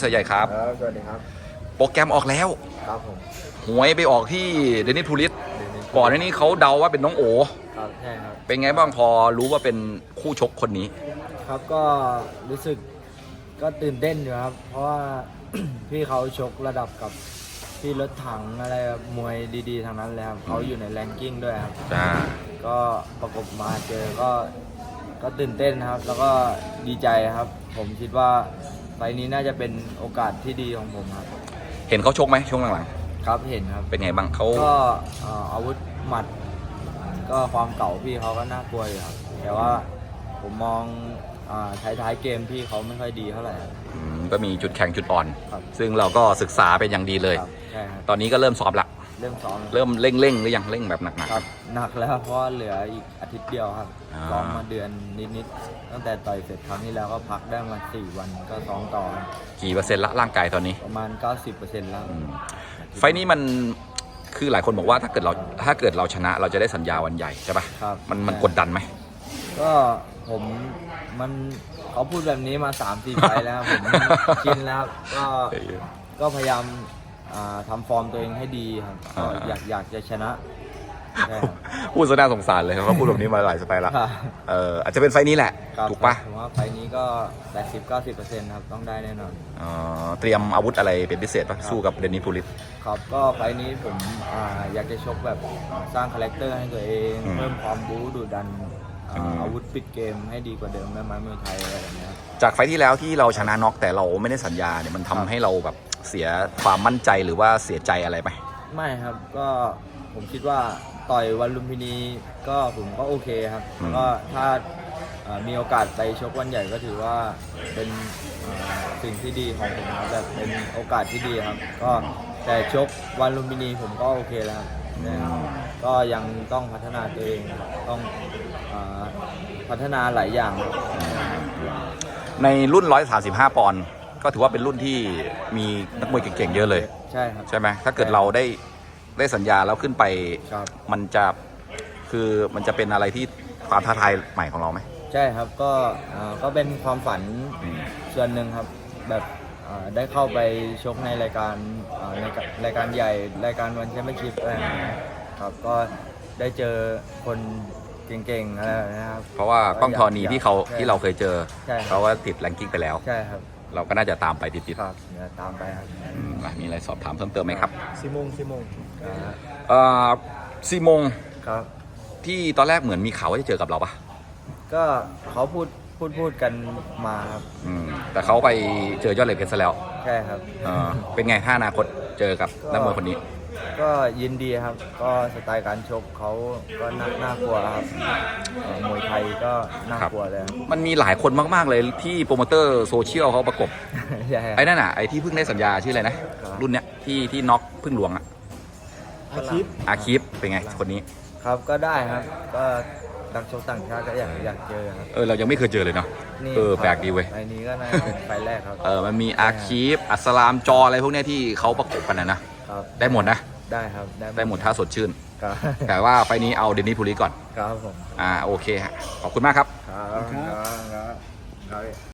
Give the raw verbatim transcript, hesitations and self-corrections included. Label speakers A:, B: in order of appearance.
A: เสือใหญ่ครับ
B: ครับสวัสดีครับ
A: โปรแกรมออกแล้ว
B: ครับผม
A: หวยไปออกที่เดนิสพูลิสก่อนหน้านี้เขาเดาว่าเป็นน้องโอ
B: ครับใช่ครับ
A: เป็นไงบ้างพอรู้ว่าเป็นคู่ชกคนนี้
B: ครับก็รู้สึกก็ตื่นเต้นอยู่ครับเพราะว่า พี่เขาชกระดับกับพี่รถถังอะไรมวยดีๆทางนั้นเลยครับเขาอยู่ในแรงกิ้งด้วยครับ
A: จ้า
B: ก็ประกบมาเจอก็ก็ตื่นเต้นครับแล้วก็ดีใจครับผมคิดว่าไฟล์นี้น่าจะเป็นโอกาสที่ดีของผมครับ
A: เห็นเขาชกไหมช่วงหลัง
B: ๆครับเห็นครับ
A: เป็นไงบ้างเขา
B: ก็อาวุธหมัดก็ความเก่าพี่เขาก็น่ากลัวอยู่ครับแต่ว่าผมมองท้ายๆเกมพี่เขาไม่ค่อยดีเท่าไหร่
A: ก็มีจุดแข็งจุดอ่อนซึ่งเราก็ศึกษาเป็นอย่างดีเลยตอนนี้ก็เริ่มซ้อมละ
B: เริ่มซ้อม
A: เริ่มเร่งเร่งหรือยังเร่งแบบหนัก
B: ๆครับหนักแล้วเพราะเหลืออีกอาทิตย์เดียวครับซ้อมมาเดือนนิดๆตั้งแต่ต่อยเสร็จครั้งที่แล้วก็พักได้มาสี่วันก็ซ้อมต่อ
A: กี่เปอร์เซ็นต์ละร่างกายตอนนี้
B: ประมาณ เก้าสิบเปอร์เซ็นต์ แล้ว
A: ไฟนี้มันคือหลายคนบอกว่าถ้าเกิดเราถ้าเกิดเราชนะเราจะได้สัญญาวันใหญ่ใช่ป่ะ
B: ครับ
A: มันมันกดดันไหม
B: ก็ผมมันเขาพูดแบบนี้มา สามสี่ ไฟแล้วผมชินแล้วก็ก็พยายามทำฟอร์มตัวเองให้ดีครับก็อยากอยากจะชนะ
A: พูดซะน่าสงสารเลยเขาพูดแบบนี้มาหลายสไตล์แล้วเอออาจจะเป็นไฟนี้แหละถูกปะ
B: ผมว่าไฟนี้ก็ แปดสิบถึงเก้าสิบเปอร์เซ็นต์ ครับต้องได้แน่นอน
A: อ๋อเตรียมอาวุธอะไรเป็นพิเศษปะสู้กับเดนิสพูลิส
B: ครับก็ไฟนี้ผมอยากจะชกแบบสร้างคาแรคเตอร์ให้ตัวเองเพิ่มความบู๊ดุดันอาวุธปิดเกมให้ดีกว่าเดิมแม่ไม้มวยไทยอะไรแบบนี้
A: จากไฟที่แล้วที่เราชนะน็อกแต่เราไม่ได้สัญญาเนี่ยมันทำให้เราแบบเสียความมั่นใจหรือว่าเสียใจอะไรไหม
B: ไม่ครับก็ผมคิดว่าต่อยวันลุมพินีก็ผมก็โอเคครับแล้วก็ถ้ามีโอกาสไปชกวันใหญ่ก็ถือว่าเป็นสิ่งที่ดีของผมครับแบบเป็นโอกาสที่ดีครับก็แต่ชกวันลุมพินีผมก็โอเคแล้วครับก็ยังต้องพัฒนาตัวเองต้องพัฒนาหลายอย่าง
A: ในรุ่นหนึ่งร้อยสามสิบห้าปอนด์ก็ถือว่าเป็นรุ่นที่มีนักมวยเก่งๆเยอะเลย
B: ใช่ครับ
A: ใช่ไหมถ้าเกิดเราได้ได้สัญญาแล้วขึ้นไปมันจะคือมันจะเป็นอะไรที่ความท้าทายใหม่ของเราไหม
B: ใช่ครับก็ก็เป็นความฝันส่วนหนึ่งครับแบบได้เข้าไปชกในรายการในรายการใหญ่รายการวันแชมเปี้ยนชิพอะไรครับก็ได้เจอคนเก่งๆอะไรนะครับ
A: เพราะว่ากล้องธรณีที่เขาที่เราเคยเจอเขาว่าติดแรงกิ้งไปแล้ว
B: ใช่ครับ
A: เราก็น่าจะตามไปติด
B: ๆครับตามไปครับ
A: มีอะไรสอบถามเพิ่มเติมไหมครับ
B: ซีมงซีมง
A: เอ่อซีมง
B: ครับ
A: ที่ตอนแรกเหมือนมีข่าวว่าจะเจอกับเราปะ
B: ก็เขาพูดพูดพูดกันมาครับ
A: แต่เขาไปเจอยอดเหล็กเพชรซะแล้ว
B: ใช่ครับ
A: เป็นไงถ้าอนาคตเจอกับนักมวยคนนี้
B: ก็ยินดีครับก็สไตล์การชกเขาก็น่าน่ากลัวครับมวยไทยก็น่ากลัวเลย
A: มันมีหลายคนมากๆเลยที่โปรโมเตอร์โซเชียลเขาประกบไอ้นั่นน่ะไอ้ที่เพิ่งได้สัญญาชื่ออะไรนะรุ่นเนี้ยที่ที่น็อกพึ่งหลวงอ่ะ
B: อาคีฟ
A: อาคีฟเป็นไงคนนี้
B: ครับก็ได้ครับก็นักชกต่างชาติก็อยากอยากเจอครับ
A: เออเรายังไม่เคยเจอเลยเนาะเออแปลกดีเว้ย
B: ไอ้นี้ก็น่าเป็นไฟแรกครับ
A: เออมันมีอาคีฟอัสลามจออะไรพวกเนี้ยที่เขาประกบกันนะนะได้หมดนะ
B: ได้ครับ
A: ได้หมดถ้าสดชื่นแต่ว่าไฟนี้เอาเดนิสพูลิสก่อน
B: ครับผม
A: อ่าโอเคฮะขอบคุณมากครับ
B: ครับครับ